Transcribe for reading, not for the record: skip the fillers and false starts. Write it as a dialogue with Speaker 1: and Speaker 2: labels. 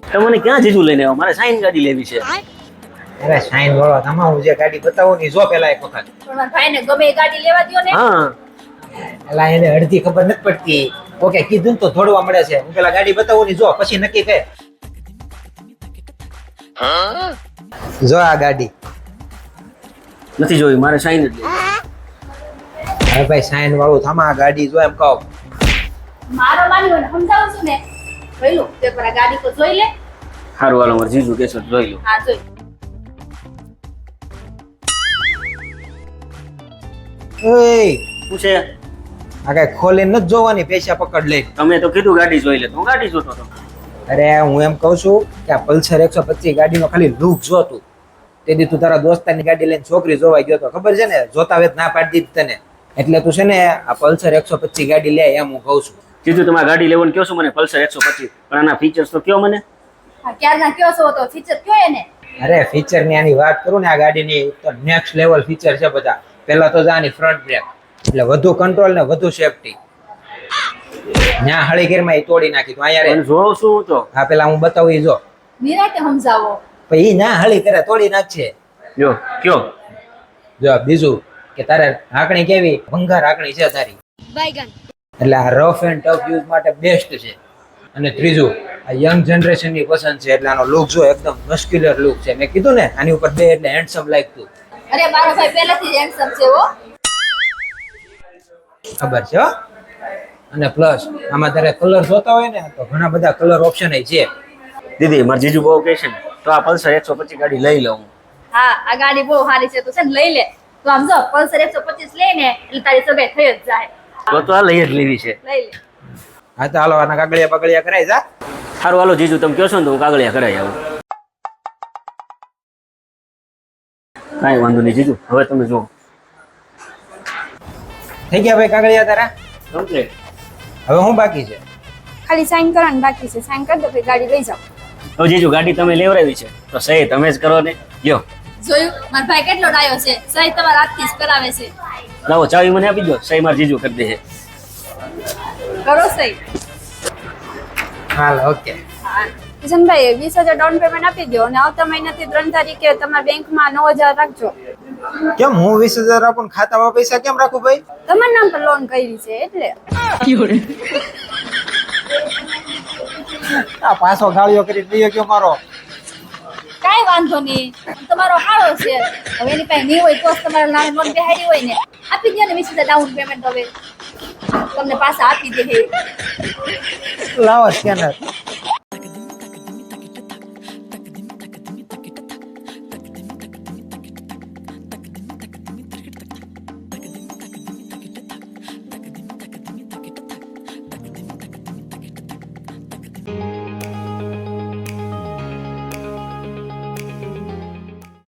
Speaker 1: તમને ક્યાં જીજુ લઈને આવ્યો? મારે સાઈન ગાડી લેવી છે.
Speaker 2: અરે સાઈન વાળો તમારું જે ગાડી બતાવો ની જો પેલા એક વખત.
Speaker 3: પણ મારા ભાઈને ગમે એ ગાડી લેવા દ્યો ને.
Speaker 1: હા
Speaker 2: એલા એને અડધી ખબર નથી પડતી. ઓકે કીધું ને તો થોડવા મળે છે. હું પેલા ગાડી બતાવું ની જો પછી નક્કી કર. જો આ ગાડી.
Speaker 1: નથી જોઈ, મારે સાઈન જ લેવી.
Speaker 2: અરે ભાઈ સાઈન વાળું થામા આ ગાડી જો એમ કહો.
Speaker 3: મારો માન્યો ને સમજાવું છું ને. જોઈ લો તે પર આ ગાડી તો જોઈ લે.
Speaker 1: સારું હાલો, મારે જીજુ કેસો જોઈ લો.
Speaker 3: હા જોઈ.
Speaker 2: ઓય
Speaker 1: શું છે?
Speaker 2: આ કઈ ખોલીને નથી જોવાની, પૈસા પકડ લે.
Speaker 1: તમે તો કીધું ગાડી જોઈ લે, તો હું ગાડી જોતો હતો.
Speaker 2: અરે હું એમ કહું છું કે આ પલ્સર 125 ગાડીનો ખાલી લુક જોતું. તેથી તું તારા દોસ્તારની ગાડી લઈને છોકરી જોવા ગયો તો ખબર છે ને, જોતા વેત ના પાડી દીધી તને. એટલે તું છે ને આ પલ્સર 125 ગાડી લે એમ હું કહું છું.
Speaker 1: જીજુ તમારે ગાડી લેવાનું કહો છો મને, પલ્સર 125, પણ આના ફીચર્સ તો કયો મને.
Speaker 3: હા ક્યારના કયો છો તો ફીચર કયો એને.
Speaker 2: અરે ફીચર ની આની વાત કરું ને, આ ગાડીની તો નેક્સ્ટ લેવલ ફીચર છે બધા. પહેલા તો આની ફ્રન્ટ બ્રેક, એટલે વધુ કંટ્રોલ ને વધુ સેફટી. ન્યા હળીગીરમાં એ તોડી નાખી તું અહીંયા રે.
Speaker 1: જોઉં છું હું તો.
Speaker 2: હા પેલા હું બતાવું ઈ જો.
Speaker 3: નિરાતે સમજાવો.
Speaker 2: પછી ઈ ના હળી કરે તોડી નાખશે.
Speaker 1: જો કયો.
Speaker 2: જો બીજું કે તારે હાકણી કેવી ભંગાર હાકણી છે તારી. એટલે આ રફ એન્ડ ટફ યુઝ માટે બેસ્ટ છે. અને ત્રીજું આ યંગ જનરેશન ની પસંદ છે, એટલે આનો લુક જો એકદમ મસ્ક્યુલર લુક છે. મેં કીધું ને આની ઉપર બે એટલે હેન્ડસમ લાગતું.
Speaker 3: અરે મારો ભાઈ પહેલેથી જ હેન્ડસમ છે હો.
Speaker 2: ખબર છે હો. અને પ્લસ આમાં તારે કલર જોતા હોય ને તો ઘણા બધા કલર ઓપ્શન છે.
Speaker 1: દીદી મારે જીજુ બહુ કહે છે ને, તો આ પલ્સર 125 ગાડી લઈ લઉં.
Speaker 3: હા આ ગાડી બહુ સારી છે, તો છે ને લઈ લે. તો આમ જો પલ્સર 125 લઈને એટલે તારી સગાઈ થઈ જ જાય.
Speaker 1: તો આ લઈ જ લેવી છે.
Speaker 3: લઈ લે.
Speaker 2: હા તો હાલો આના કાગળિયા બગડિયા કરાય જા.
Speaker 1: સારું હાલો જીજુ, તમે કહો છો ને તો હું કાગળિયા કરાવી આવું. કાંઈ વાંધો નહીં જીજુ, હવે તમે જુઓ.
Speaker 2: થઈ ગયા ભાઈ કાગળિયા તારા?
Speaker 1: કમ્પ્લીટ.
Speaker 2: હવે હું બાકી છે?
Speaker 4: ખાલી સાઈન કરવાનું બાકી છે. સાઈન કરી દો પછી ગાડી લઈ જાઓ.
Speaker 1: હવે જીજુ ગાડી તમે લેવડાવી છે તો સહી તમે જ કરો ને. લ્યો
Speaker 3: જોયું મારો ભાઈ કેટલો ડાયો છે. સહી તમારા હાથથી જ કરાવે છે.
Speaker 1: લાવો ચાવી મને આપી દો, સહી મારે જીજુ કરી દે.
Speaker 3: કરો સહી.
Speaker 2: હાલ ઓકે.
Speaker 3: હા
Speaker 4: કિશનભાઈ 20,000 ડાઉન પેમેન્ટ આપી દો અને આવતા મહિનાથી 3 તારીખે તમારા બેંકમાં 9,000 રાખજો.
Speaker 2: કેમ હું 20,000 આપું ખાતામાં પૈસા કેમ રાખું ભાઈ?
Speaker 4: તમારા નામ પર લોન કરી છે એટલે.
Speaker 2: આ પાછો ગાળિયો કરી દઈએ કે મારો.
Speaker 3: કાંઈ વાંધો નહીં, તમારો હાળો છે. હવે એની પાસે નહીં હોય તો જ તમારા નામે લોન બેહાડી હોય ને. આપી દે ને 20,000 ડાઉન પેમેન્ટ. હવે તમને પાછા આપી દે.
Speaker 2: લાવો સ્કેનર.